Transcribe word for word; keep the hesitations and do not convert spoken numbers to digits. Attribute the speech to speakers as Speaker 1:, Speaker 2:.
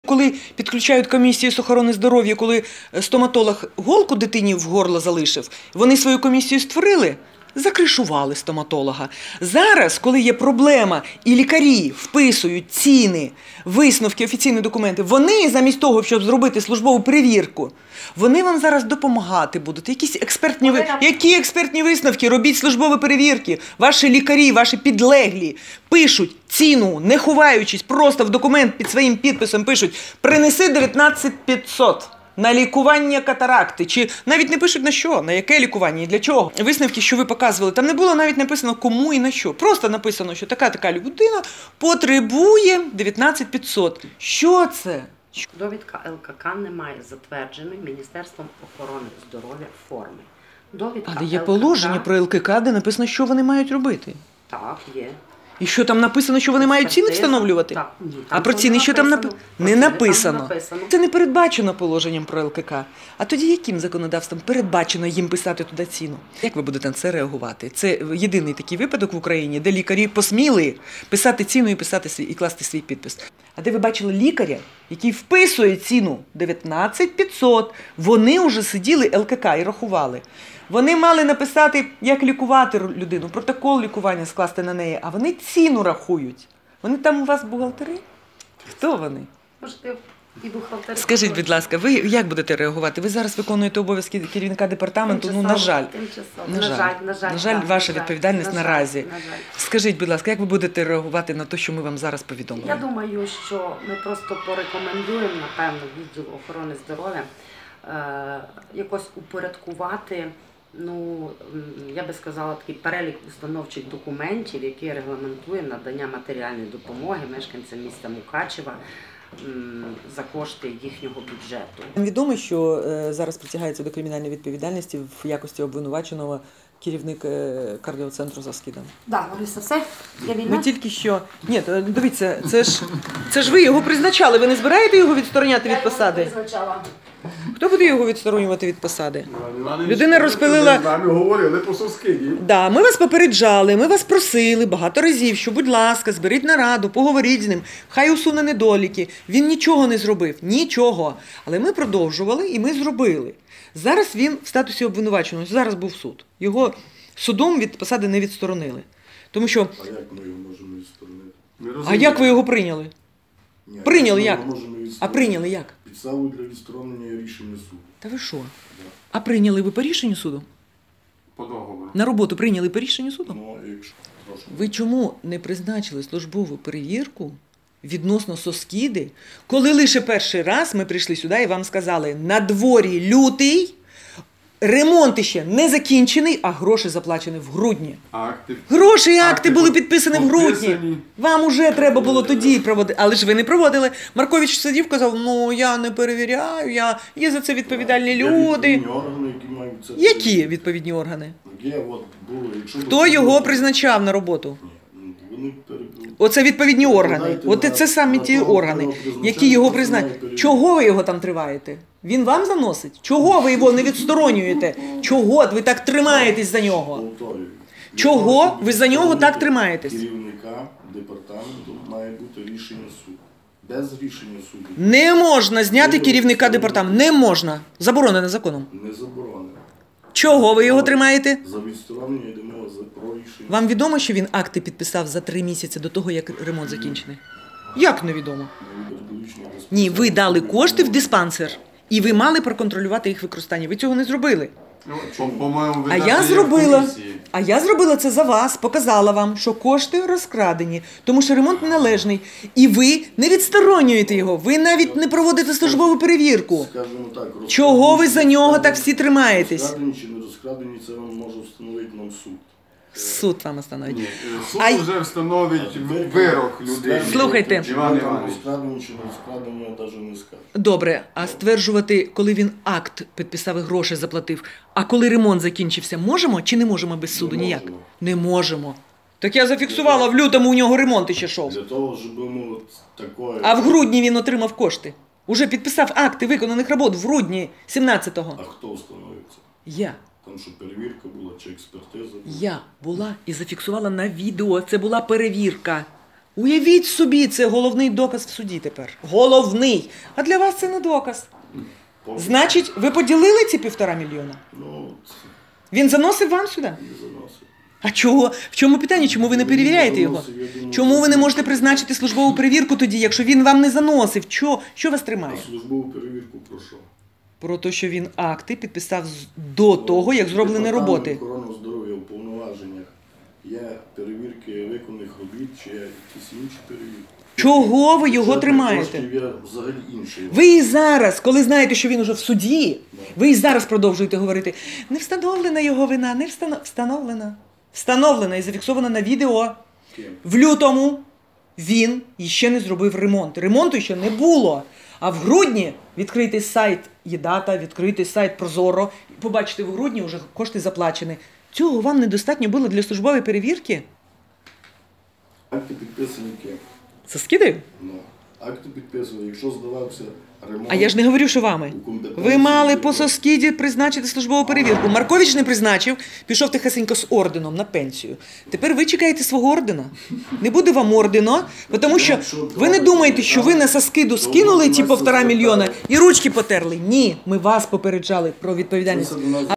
Speaker 1: Коли підключають комісію з охорони здоров'я, коли стоматолог голку дитині в горло залишив, вони свою комісію створили, закришували стоматолога. Зараз, коли є проблема і лікарі вписують ціни, висновки, офіційні документи, вони замість того, щоб зробити службову перевірку, вони вам зараз допомагати будуть. Якісь експертні, ви... Які експертні висновки? Робіть службові перевірки. Ваші лікарі, ваші підлеглі пишуть ціну, не ховаючись, просто в документ під своїм підписом пишуть «принеси дев'ятнадцять п'ятсот». На лікування катаракти, чи навіть не пишуть на що, на яке лікування і для чого. Висновки, що ви показували, там не було навіть написано кому і на що. Просто написано, що така-така людина потребує дев'ятнадцять п'ятсот. Що це?
Speaker 2: Довідка Ел Ка Ка немає затвердженої Міністерством охорони здоров'я форми. Довідка
Speaker 1: Але є положення про Ел Ка Ка, де написано, що вони мають робити.
Speaker 2: Так, є.
Speaker 1: І що там написано, що вони мають ціни встановлювати?
Speaker 2: Так, ні. Там
Speaker 1: а про ціни що там написано? Не написано. написано. Це не передбачено положенням про Ел Ка Ка. А тоді яким законодавством передбачено їм писати туди ціну? Як ви будете на це реагувати? Це єдиний такий випадок в Україні, де лікарі посміли писати ціну і писати свій, і класти свій підпис. А де ви бачили лікаря, який вписує ціну дев'ятнадцять п'ятсот, вони вже сиділи Ел Ка Ка і рахували. Вони мали написати, як лікувати людину, протокол лікування скласти на неї, а вони ціну рахують. Вони там у вас бухгалтери? Хто вони?
Speaker 2: Можете і бухгалтери.
Speaker 1: Скажіть, будь ласка, ви як будете реагувати? Ви зараз виконуєте обов'язки керівника департаменту, ну, на жаль.
Speaker 2: На жаль, на жаль.
Speaker 1: На жаль, ваша відповідальність наразі.
Speaker 2: На жаль.
Speaker 1: Скажіть, будь ласка, як ви будете реагувати на те, що ми вам зараз повідомили?
Speaker 2: Я думаю, що ми просто порекомендуємо, напевно, відділу охорони здоров'я е, якось упорядкувати, ну, я би сказала, такий перелік установчих документів, який регламентує надання матеріальної допомоги мешканцям міста Мукачева за кошти їхнього бюджету.
Speaker 1: Відомо, що зараз притягається до кримінальної відповідальності в якості обвинуваченого керівник кардіоцентру за скидом.
Speaker 2: Так, Лариса, все? Я вільна?
Speaker 1: Ми тільки що... Ні, дивіться, це ж, це ж ви його призначали, ви не збираєте його відстороняти від посади?
Speaker 2: Я його призначала.
Speaker 1: Хто буде його відсторонювати від посади? Людина розпилила...
Speaker 3: З нами говорили по Соскиді.
Speaker 1: Да, ми вас попереджали, ми вас просили багато разів, що, будь ласка, зберіть нараду, поговоріть з ним, хай усуне недоліки. Він нічого не зробив, нічого. Але ми продовжували і ми зробили. Зараз він в статусі обвинуваченого, зараз був суд. Його судом від посади не відсторонили. Тому що...
Speaker 3: А як ми його можемо відсторонити?
Speaker 1: А як ви його прийняли?
Speaker 3: Ні,
Speaker 1: Прийняли як? А
Speaker 3: прийняли
Speaker 1: прийняли як?
Speaker 3: Підставу для відсторонення рішення суду.
Speaker 1: Та ви що? А прийняли ви по рішенню суду?
Speaker 3: По договору.
Speaker 1: На роботу прийняли по рішенню суду?
Speaker 3: Ну, якщо... Прошу.
Speaker 1: Ви чому не призначили службову перевірку відносно Соскиди, коли лише перший раз ми прийшли сюди і вам сказали, на дворі лютий, ремонт ще не закінчений, а гроші заплачені в грудні.
Speaker 3: Акти.
Speaker 1: Гроші і акти,
Speaker 3: акти
Speaker 1: були підписані в грудні.
Speaker 3: підписані.
Speaker 1: Вам уже треба було тоді проводити, але ж ви не проводили. Маркович сидів, казав, ну я не перевіряю, я... є за це відповідальні
Speaker 3: Є
Speaker 1: люди.
Speaker 3: відповідні органи, які мають це...
Speaker 1: Які відповідні органи?
Speaker 3: Є, от, було, якщо
Speaker 1: Хто його призначав на роботу?
Speaker 3: Ні, вони перебули.
Speaker 1: Оце відповідні органи.
Speaker 3: Додайте
Speaker 1: От
Speaker 3: на-
Speaker 1: це самі
Speaker 3: на
Speaker 1: ті
Speaker 3: того,
Speaker 1: органи,
Speaker 3: хто його
Speaker 1: які його
Speaker 3: призначає,
Speaker 1: признають.
Speaker 3: перевіряє.
Speaker 1: Чого ви його там триваєте? Він вам заносить? Чого ви його не відсторонюєте? Чого ви так тримаєтесь за нього?
Speaker 3: Повторюю.
Speaker 1: Чого
Speaker 3: Для того, щоб
Speaker 1: ви за нього так
Speaker 3: відсторонити
Speaker 1: тримаєтесь?
Speaker 3: Керівника департаменту має бути рішення суду. Без рішення суду
Speaker 1: Не можна зняти керівника департаменту. Не можна. Заборонено законом.
Speaker 3: не заборонено.
Speaker 1: Чого ви його тримаєте?
Speaker 3: За відсторонення йде мова за про рішення.
Speaker 1: Вам відомо, що він акти підписав за три місяці до того, як ремонт закінчений? Як невідомо? Ні, ви дали кошти в диспансер. І ви мали проконтролювати їх використання. Ви цього не зробили.
Speaker 3: Ну, по-моєму, ви
Speaker 1: А
Speaker 3: навіть
Speaker 1: я
Speaker 3: є в
Speaker 1: зробила,
Speaker 3: комісії.
Speaker 1: а я зробила це за вас, показала вам, що кошти розкрадені, тому що ремонт неналежний. І ви не відсторонюєте його, ви навіть не проводите службову перевірку.
Speaker 3: Скажімо так,
Speaker 1: Чого ви за нього так всі тримаєтесь?
Speaker 3: Розкрадені чи не розкрадені, це вам може встановити нам суд.
Speaker 1: Суд вам остановить.
Speaker 4: Ні, суд
Speaker 1: А й-
Speaker 4: вже встановить вирок людині.
Speaker 1: Слухайте.
Speaker 4: Іван Іванович.
Speaker 3: Розкрадені чи не розкрадені, я навіть не скажу.
Speaker 1: Добре, а стверджувати, коли він акт підписав і гроші заплатив, а коли ремонт закінчився, можемо чи не можемо без суду
Speaker 3: Не
Speaker 1: ніяк?
Speaker 3: можемо.
Speaker 1: Не можемо. Так я зафіксувала, в лютому у нього ремонт іще йшов.
Speaker 3: Для того, щоб йому такое...
Speaker 1: А в грудні він отримав кошти. Уже підписав акти виконаних робот в грудні сімнадцятого.
Speaker 3: А хто встановиться?
Speaker 1: Я.
Speaker 3: Там що перевірка була чи експертиза була?
Speaker 1: Я була і зафіксувала на відео. Це була перевірка. Уявіть собі, це головний доказ в суді тепер. Головний. А для вас це не доказ.
Speaker 3: Поки
Speaker 1: Значить, ви поділили ці півтора мільйона?
Speaker 3: Ну, це
Speaker 1: Він заносив вам сюди?
Speaker 3: не заносить.
Speaker 1: А чого? В чому питання? Чому ви не перевіряєте його? Чому ви не можете призначити службову перевірку тоді, якщо він вам не заносив? Що, що вас тримає?
Speaker 3: А службову перевірку про що?
Speaker 1: Про те, що він акти підписав з- до того, як зроблені
Speaker 3: Департамент
Speaker 1: роботи.
Speaker 3: охорони здоров'я у повноваженнях є перевірки виконаних робіт чи якісь інші перевірки.
Speaker 1: Чого ви його
Speaker 3: Бюджетних
Speaker 1: тримаєте?
Speaker 3: коштів є взагалі інший.
Speaker 1: Ви і зараз, коли знаєте, що він уже в суді, ви і зараз продовжуєте говорити, не встановлена його вина, не встано- встановлена. Встановлена і зафіксована на відео.
Speaker 3: Ким?
Speaker 1: В лютому він іще не зробив ремонт. Ремонту ще не було. А в грудні відкритий сайт Єдата, відкритий сайт Прозоро. Побачите, в грудні вже кошти заплачені. Цього вам недостатньо було для службової перевірки?
Speaker 3: Акти підписані ким?
Speaker 1: Це скидаю?
Speaker 3: Ну, акти підписані, якщо здавався ремонт.
Speaker 1: А я ж не говорю, що вами.
Speaker 3: у компетенції
Speaker 1: Ви мали
Speaker 3: є-
Speaker 1: по Соскіді призначити службову перевірку. Маркович не призначив, пішов тихесенько з орденом на пенсію. Тепер ви чекаєте свого ордена. Не буде вам ордена, тому що ви не думаєте, що ви на Соскіду скинули ці півтора мільйона і ручки потерли. Ні, ми вас попереджали про відповідальність.
Speaker 3: Це до нас